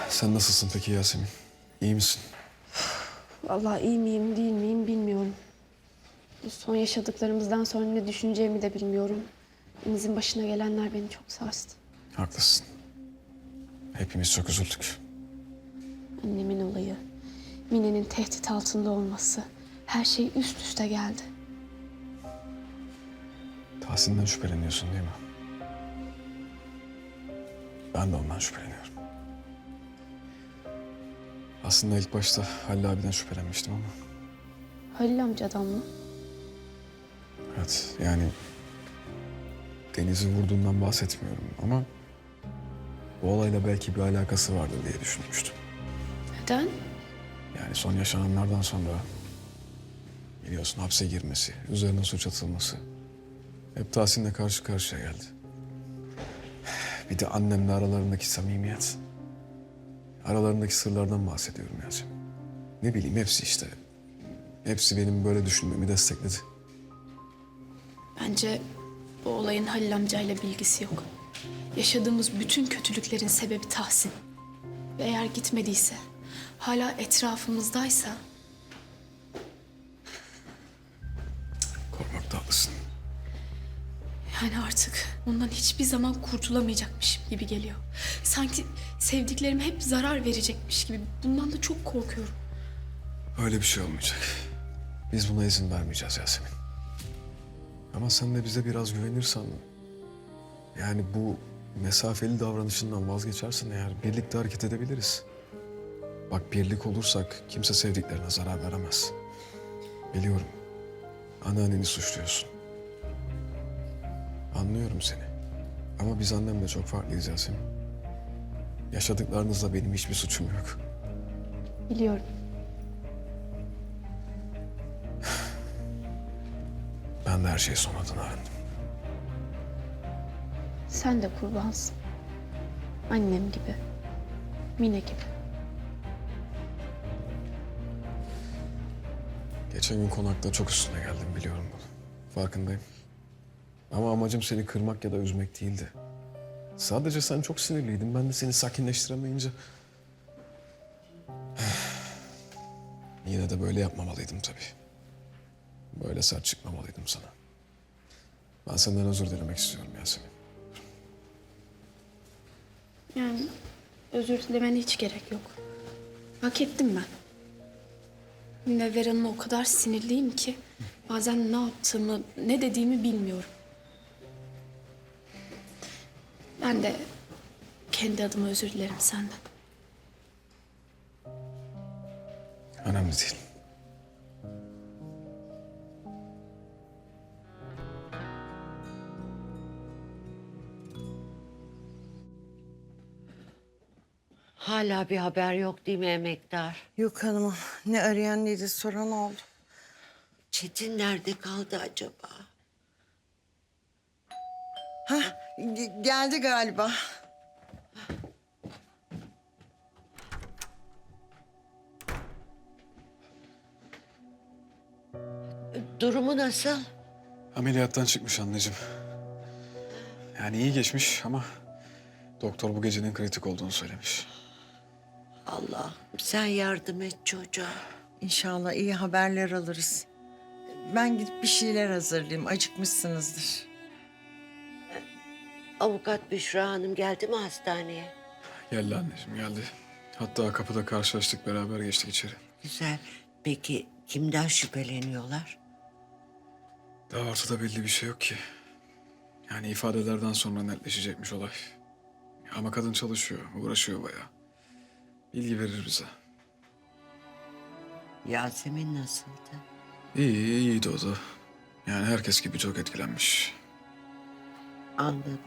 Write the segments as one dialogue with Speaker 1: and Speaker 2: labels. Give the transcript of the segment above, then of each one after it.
Speaker 1: Sen nasılsın peki Yasemin? İyi misin?
Speaker 2: Vallahi iyi miyim değil miyim bilmiyorum. Bu son yaşadıklarımızdan sonra ne düşüneceğimi de bilmiyorum. Deniz'in başına gelenler beni çok sarstı.
Speaker 1: Haklısın. Hepimiz çok üzüldük.
Speaker 2: Annemin olayı, Mine'nin tehdit altında olması, her şey üst üste geldi.
Speaker 1: Tahsin'den şüpheleniyorsun değil mi? Ben de ondan şüpheleniyorum. Aslında ilk başta Halil abiden şüphelenmiştim ama...
Speaker 2: Halil amcadan mı?
Speaker 1: Evet, yani... Deniz'i vurduğundan bahsetmiyorum ama... Bu olayla belki bir alakası vardır diye düşünmüştüm.
Speaker 2: Neden?
Speaker 1: Yani son yaşananlardan sonra... Biliyorsun hapse girmesi, üzerine suç atılması... Hep Tahsin'le karşı karşıya geldi. Bir de annemle aralarındaki samimiyet. Aralarındaki sırlardan bahsediyorum Yasemin. Ne bileyim hepsi işte. Hepsi benim böyle düşünmemi destekledi.
Speaker 2: Bence bu olayın Halil amcayla bilgisi yok. Yaşadığımız bütün kötülüklerin sebebi Tahsin. Ve eğer gitmediyse, hala etrafımızdaysa...
Speaker 1: Korkmakta haklısın.
Speaker 2: Yani artık ondan hiçbir zaman kurtulamayacakmışım gibi geliyor. Sanki sevdiklerime hep zarar verecekmiş gibi. Bundan da çok korkuyorum.
Speaker 1: Öyle bir şey olmayacak. Biz buna izin vermeyeceğiz Yasemin. Ama sen de bize biraz güvenirsen... Yani bu mesafeli davranışından vazgeçersen eğer birlikte hareket edebiliriz. Bak birlik olursak kimse sevdiklerine zarar veremez. Biliyorum. Anneanneni suçluyorsun. Anlıyorum seni. Ama biz annemle çok farklıyız Yasemin. Yaşadıklarınızla benim hiçbir suçum yok.
Speaker 2: Biliyorum.
Speaker 1: Ben de her şeyi sonradan öğrendim.
Speaker 2: Sen de kurbansın. Annem gibi. Mine gibi.
Speaker 1: Geçen gün konakta çok üstüne geldim biliyorum bunu. Farkındayım. Ama amacım seni kırmak ya da üzmek değildi. Sadece sen çok sinirliydin. Ben de seni sakinleştiremeyince... Yine de böyle yapmamalıydım tabii. Böyle sert çıkmamalıydım sana. Ben senden özür dilemek istiyorum Yasemin.
Speaker 2: Yani özür dilemene hiç gerek yok. Hak ettim ben. Münevver Hanım'a o kadar sinirliyim ki... bazen ne yaptığımı, ne dediğimi bilmiyorum. Ben de kendi adıma özür dilerim senden.
Speaker 1: Önemli değil.
Speaker 3: Hala bir haber yok değil mi emektar?
Speaker 4: Yok hanımım. Ne arayan ne de soran oldu.
Speaker 3: Çetin nerede kaldı acaba?
Speaker 4: Geldi galiba.
Speaker 3: Durumu nasıl?
Speaker 1: Ameliyattan çıkmış anneciğim. Yani iyi geçmiş ama... Doktor bu gecenin kritik olduğunu söylemiş.
Speaker 3: Allah sen yardım et çocuğa.
Speaker 4: İnşallah iyi haberler alırız. Ben gidip bir şeyler hazırlayayım. Acıkmışsınızdır.
Speaker 3: Avukat Büşra Hanım geldi mi hastaneye?
Speaker 1: Geldi anneciğim geldi. Hatta kapıda karşılaştık beraber geçtik içeri.
Speaker 3: Güzel. Peki kimden şüpheleniyorlar?
Speaker 1: Daha ortada belli bir şey yok ki. Yani ifadelerden sonra netleşecekmiş olay. Ama kadın çalışıyor, uğraşıyor bayağı. Bilgi verir bize.
Speaker 3: Yasemin nasıldı?
Speaker 1: İyiydi o da. Yani herkes gibi çok etkilenmiş.
Speaker 3: Anladım.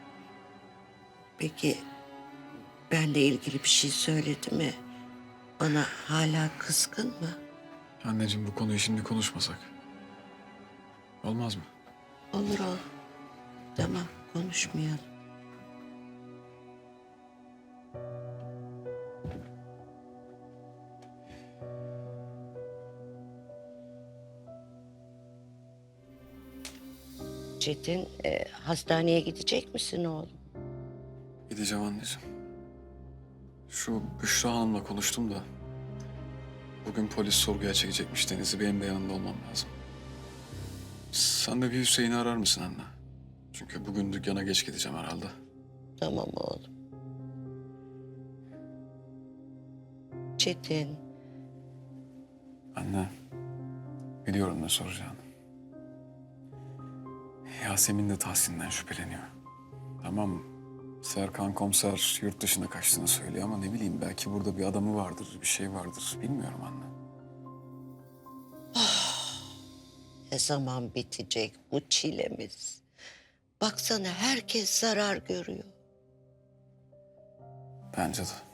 Speaker 3: Peki benle ilgili bir şey söyledi mi? Bana hala kızgın mı?
Speaker 1: Anneciğim bu konuyu şimdi konuşmasak. Olmaz mı?
Speaker 3: Olur ol. Tamam konuşmayalım. Çetin, hastaneye gidecek misin oğlum?
Speaker 1: Gideceğim anneciğim. Şu Büşra Hanım'la konuştum da... Bugün polis sorguya çekecekmiş Deniz'i. Benim de yanında olmam lazım. Sen de bir Hüseyin'i arar mısın anne? Çünkü bugün dükkana geç gideceğim herhalde.
Speaker 3: Tamam oğlum. Çetin,
Speaker 1: Anne, biliyorum ne soracağını. Yasemin de Tahsin'den şüpheleniyor. Tamam, Serkan komiser yurt dışına kaçtığını söylüyor ama ne bileyim belki burada bir adamı vardır, bir şey vardır. Bilmiyorum anne.
Speaker 3: ne zaman bitecek bu çilemiz? Baksana herkes zarar görüyor.
Speaker 1: Bence de.